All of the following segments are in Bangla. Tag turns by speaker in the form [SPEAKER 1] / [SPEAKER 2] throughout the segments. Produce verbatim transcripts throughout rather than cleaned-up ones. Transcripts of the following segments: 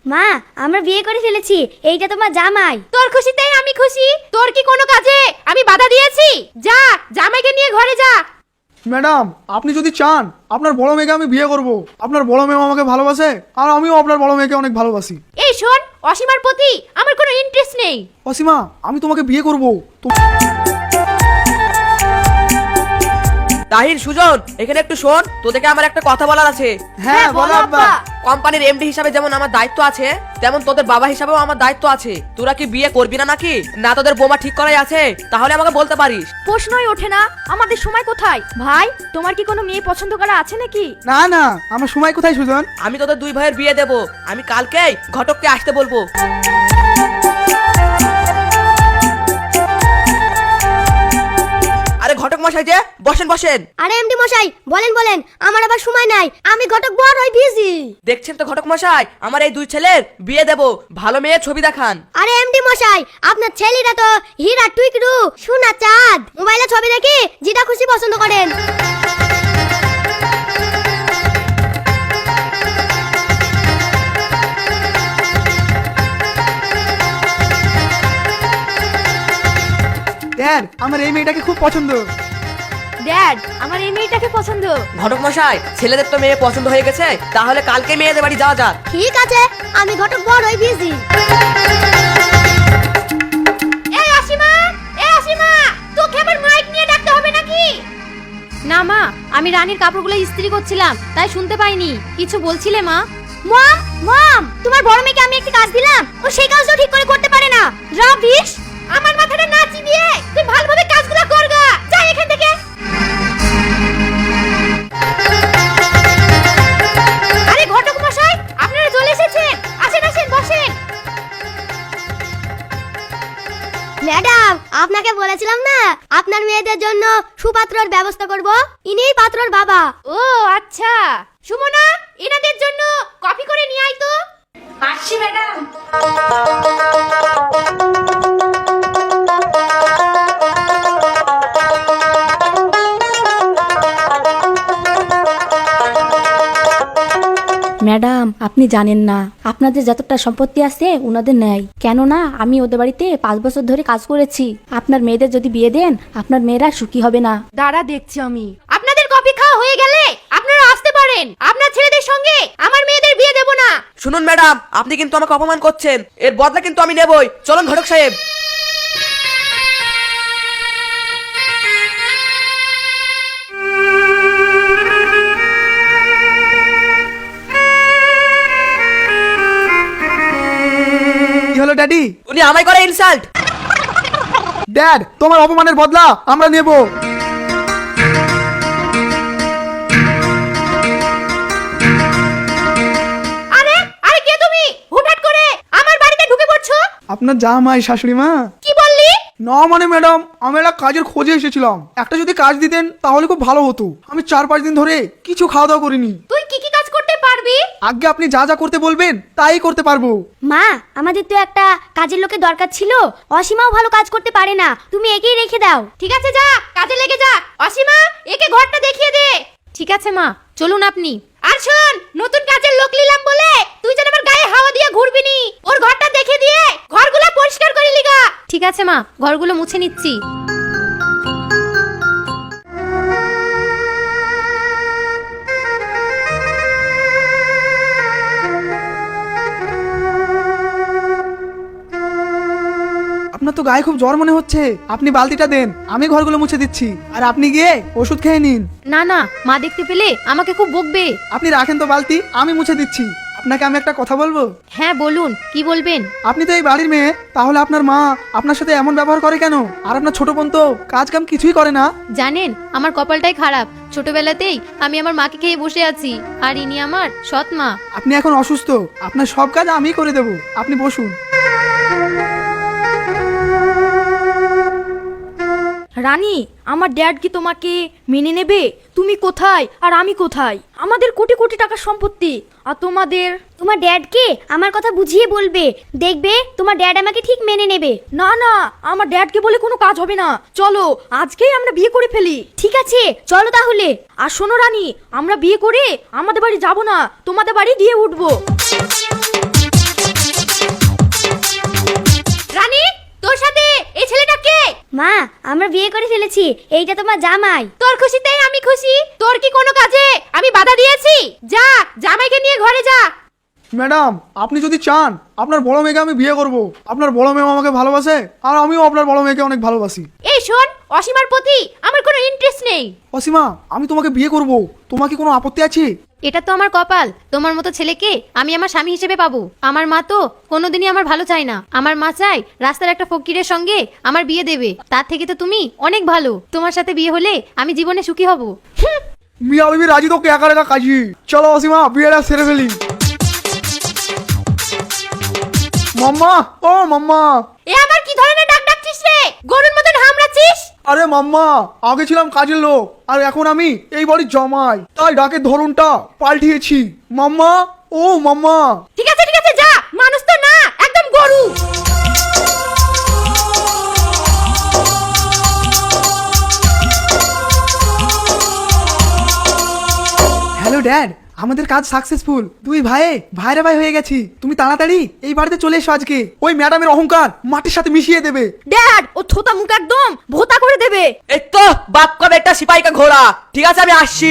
[SPEAKER 1] মা আমরা বিয়ে করে ফেলেছি, এইটা তোমার জামাই।
[SPEAKER 2] তোর খুশিতেই আমি খুশি। তোর কি কোনো কাজে আমি বাধা দিয়েছি? যা জামাইকে নিয়ে ঘরে যা।
[SPEAKER 3] ম্যাডাম, আপনি যদি চান আপনার বড় মেয়েকে আমি বিয়ে করব, আপনার বড় মেয়ে আমাকে ভালোবাসে আর আমিও আপনার বড় মেয়েকে অনেক ভালোবাসি।
[SPEAKER 2] এই শোন, অসীমার প্রতি আমার কোনো ইন্টারেস্ট নেই।
[SPEAKER 3] অসীমা, আমি তোমাকে বিয়ে করব।
[SPEAKER 4] তাহির, সুজন, এখানে একটু শোন, তোদেরকে আমার একটা কথা বলার আছে।
[SPEAKER 3] হ্যাঁ বলো আব্বা।
[SPEAKER 4] কোম্পানির এমডি হিসাবে যেমন আমার দায়িত্ব আছে, তেমন তোদের বাবা হিসাবেও আমার দায়িত্ব আছে। তোরা কি বিয়ে করবি না নাকি? না তোদের বোমা ঠিক করাই আছে? তাহলে আমাকে বলতে পারিস।
[SPEAKER 2] প্রশ্নই ওঠে না, আমাদের সময় কোথায়? ভাই, তোমার কি কোনো মেয়ে পছন্দ করা আছে নাকি?
[SPEAKER 3] না না, আমার সময় কোথায় সুজন?
[SPEAKER 4] আমি তোদের দুই ভাইয়ের বিয়ে দেব। আমি কালকেই ঘটককে আসতে বলবো। আরে ঘটক মশাই যে, বসেন বসেন।
[SPEAKER 1] আরে এমডি মশাই, বলেন বলেন, আমার আবার সময় নাই, আমি ঘটক বড় হই বিজি।
[SPEAKER 4] দেখছেন তো ঘটক মশাই, আমার এই দুই ছেলের বিয়ে দেব। ভালো মেয়ে ছবি দেখান।
[SPEAKER 1] আরে এমডি মশাই, আপনার ছেলেরা তো হীরা টুইকরু সোনা চাঁদ, মোবাইলে ছবি দেখে যেটা খুশি পছন্দ করেন।
[SPEAKER 3] ড্যাড, আমার এই মেয়েটাকে খুব পছন্দ।
[SPEAKER 2] ড্যাড, আমার এই মেয়েটাকে পছন্দ।
[SPEAKER 4] ঘটক মশাই, ছেলেদের তো মেয়ে পছন্দ হয়ে গেছে, তাহলে কালকে মেয়েদের বাড়ি যাওয়া যাক।
[SPEAKER 1] ঠিক আছে, আমি ঘটক বড় হই বিজি।
[SPEAKER 2] এই অসীমা, এই অসীমা, তোকে আবার মাইক নিয়ে ডাকতে হবে নাকি? না মা, আমি রানীর কাপড়গুলো ইস্ত্রি করছিলাম, তাই শুনতে পাইনি। কিছু বলছিলে মা?
[SPEAKER 1] মম মম, তোমার বড় মেয়েকে আমি একটা কাজ দিলাম, ও সেই কাজটাও ঠিক করে করতে পারে না। রাবিশ,
[SPEAKER 2] আমার মাথাটা না চিবিয়ে তুই ভালোভাবে কাজগুলো করগা। যা এখান থেকে। আরে ঘটক মশাই, আপনারা চলে এসেছেন। আসেন আসেন, বসেন।
[SPEAKER 1] ম্যাডাম, আপনাকে বলেছিলাম না আপনার মেয়েদের জন্য সুপাত্রর ব্যবস্থা করব, ইনিই পাত্রর বাবা।
[SPEAKER 2] ও আচ্ছা, সুমনা, এনাদের জন্য কফি করে নিয়ে আয় তো।
[SPEAKER 5] আসছি ম্যাডাম।
[SPEAKER 6] ম্যাডাম, আপনি জানেন না আপনাদের যতটা সম্পত্তি আছে ওনাদের নেই। কেননা আমি ওদের বাড়িতে পাঁচ বছর ধরে কাজ করেছি। আপনার মেয়েদের যদি বিয়ে দেন, আপনার মেয়েরা সুখী হবে না।
[SPEAKER 2] দাঁড়া দেখছি আমি। আপনাদের কফি খাওয়া হয়ে গেলে আপনারা আসতে পারেন। আপনার ছেলেদের সঙ্গে আমার মেয়েদের বিয়ে দেব না।
[SPEAKER 4] শুনুন ম্যাডাম, আপনি কিন্তু আমাকে অপমান করছেন। এর বদলা কিন্তু আমি নেবই। চলুন ঘটক সাহেব।
[SPEAKER 3] কি হলো ড্যাডি?
[SPEAKER 4] উনি আমায় করে ইনসাল্ট।
[SPEAKER 3] ড্যাড, তোমার অপমানের বদলা আমরা নেব।
[SPEAKER 2] আরে আরে কে তুমি? হুটহাট করে আমার বাড়িতে ঢুকে পড়ছো?
[SPEAKER 3] আপনার জামাই শাশুড়ি মা।
[SPEAKER 2] কি বললি?
[SPEAKER 3] না মানে ম্যাডাম, আমি একটা কাজের খোঁজে এসেছিলাম। একটা যদি কাজ দিতেন তাহলে খুব ভালো হতো। আমি চার পাঁচ দিন ধরে কিছু খাওয়া দাওয়া করিনি।
[SPEAKER 2] তুই কি কি কাজ করতে পারবি?
[SPEAKER 3] আগে আপনি যা যা করতে বলবেন তাই করতে পারবো।
[SPEAKER 1] মা, আমাদের তো একটা কাজের লোকের দরকার ছিল, অসীমাও ভালো কাজ করতে পারে না, তুমি একেই রেখে দাও।
[SPEAKER 2] ঠিক আছে, যা কাজে লেগে যা। অসীমা, একে ঘরটা দেখিয়ে দে। ঠিক আছে মা, চলুন আপনি। আর শোন, নতুন কাজের লোক নিলাম বলে তুই যেন আমার গায়ে হাওয়া দিয়ে ঘুরবি নি। ওর ঘরটা দেখে দিয়ে ঘরগুলো পরিষ্কার করে লিগা। ঠিক আছে মা, ঘরগুলো মুছে নিচ্ছি।
[SPEAKER 3] আপনার তো গায়ে খুব জ্বর মনে হচ্ছে, আপনি বালতিটা দেন, আমি ঘরগুলো মুছে দিচ্ছি। আর আপনি গিয়ে ওষুধ খেয়ে নিন।
[SPEAKER 2] না না, মা দেখতে পেলে আমাকে খুব বকবে।
[SPEAKER 3] আপনি রাখেন তো বালতি, আমি মুছে দিচ্ছি। আপনাকে আমি একটা কথা বলবো।
[SPEAKER 2] হ্যাঁ বলুন, কি বলবেন?
[SPEAKER 3] আপনি তো এই বাড়ির মেয়ে, তাহলে আপনার মা আপনার সাথে এমন ব্যবহার করে কেন? আর আপনার ছোট বোন তো কাজ কাম কিছুই করে না।
[SPEAKER 2] জানেন, আমার কপালটাই খারাপ। ছোটবেলাতেই আমি আমার মাকে খেয়ে বসে আছি, আর ইনি আমার সৎ মা।
[SPEAKER 3] আপনি এখন অসুস্থ, আপনার সব কাজ আমি করে দেব। আপনি বসুন।
[SPEAKER 6] রানী, আমার ড্যাড কি তোমাকে মেনে নেবে? তুমি কোথায় আর আমি কোথায়? আমাদের কোটি কোটি টাকার সম্পত্তি, আর তোমাদের।
[SPEAKER 1] তোমার ড্যাডকে আমার কথা বুঝিয়ে বলবে, দেখবে তোমার ড্যাড আমাকে ঠিক মেনে নেবে।
[SPEAKER 6] না না, আমার ড্যাডকে বলে কোনো কাজ হবে না। চলো আজকেই আমরা বিয়ে করে ফেলি।
[SPEAKER 1] ঠিক আছে, চলো তাহলে।
[SPEAKER 6] আর শোনো রানী, আমরা বিয়ে করে আমাদের বাড়ি যাব না, তোমাদের বাড়ি গিয়ে উঠবো।
[SPEAKER 1] মা আমরা বিয়ে করে ফেলেছি, এইটা তোমার জামাই।
[SPEAKER 2] তোর খুশিতেই আমি খুশি। তোর কি কোনো কাজে আমি বাধা দিয়েছি? যা জামাইকে নিয়ে ঘরে যা।
[SPEAKER 3] ম্যাডাম, আপনি যদি চান আপনার বড় মেয়েকে আমি বিয়ে করব। আপনার বড় মেয়ে আমাকে ভালোবাসে আর আমিও আপনার বড় মেয়েকে অনেক ভালোবাসি।
[SPEAKER 2] এই শোন, অসীমার প্রতি আমার কোনো ইন্টারেস্ট নেই।
[SPEAKER 3] অসীমা, আমি তোমাকে বিয়ে করব, তোমার কি কোনো আপত্তি আছে?
[SPEAKER 2] এটা তো আমার কপাল, তোমার মতো ছেলেকে আমি আমার স্বামী হিসেবে পাবো। আমার মা তো কোনোদিনই আমার ভালো চায় না। আমার মা চায় রাস্তার একটা ফকিরের সঙ্গে আমার বিয়ে দেবে। তার থেকে তো তুমি অনেক ভালো, তোমার সাথে বিয়ে হলে আমি জীবনে সুখী হব। হুম।
[SPEAKER 3] মিয়া বিবি রাজি তো একা একা কাজী। চলো অসীমা, বিয়েটা সেরে ফেলি। মাম্মা, ও মাম্মা।
[SPEAKER 2] এ আমার কি ধরনের ডাক ডাকছিস রে? গরুর মতন হামড়াচ্ছিস?
[SPEAKER 3] আরে মাম্মা, আগে ছিলাম কাজের লোক আর এখন আমি এই বাড়ির জামাই, তাই ডাকের ধরনটা পাল্টিয়েছি। মাম্মা, ও মাম্মা।
[SPEAKER 2] ঠিক আছে ঠিক আছে, যা। মানুষ তো না, একদম গরু।
[SPEAKER 3] হ্যালো ড্যাড, আমাদের কাজ সাকসেসফুল। দুই ভাই ভাইরা ভাই হয়ে গেছি। তুমি তাড়াতাড়ি এই বাড়িতে চলে এসো আজকে। ওই ম্যাডামের অহংকার মাটির সাথে মিশিয়ে দেবে।
[SPEAKER 6] ড্যাড, ও থোতা মুখ একদম ভোতা করে দেবে।
[SPEAKER 4] এই তো বাপ কা বেটা সিপাহি কা ঘোড়া। ঠিক আছে, আমি আসছি।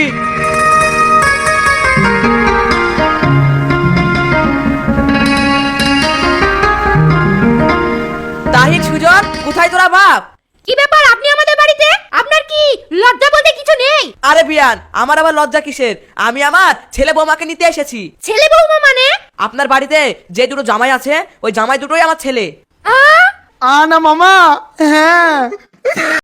[SPEAKER 4] তাহিক, সুজন, কোথায় তোরা বাপ?
[SPEAKER 2] কি ব্যাপার, আপনি আমাদের বাড়িতে? আপনার কি লজ্জা বলতে কিছু নেই?
[SPEAKER 4] আরে বিয়ান, আমার আবার লজ্জা কিসের? আমি আমার ছেলে বৌমাকে নিতে এসেছি।
[SPEAKER 2] ছেলে বৌমা মানে?
[SPEAKER 4] আপনার বাড়িতে যে দুটো জামাই আছে, ওই জামাই দুটোই আমার ছেলে।
[SPEAKER 2] আ
[SPEAKER 3] আ না মামা, হ্যাঁ।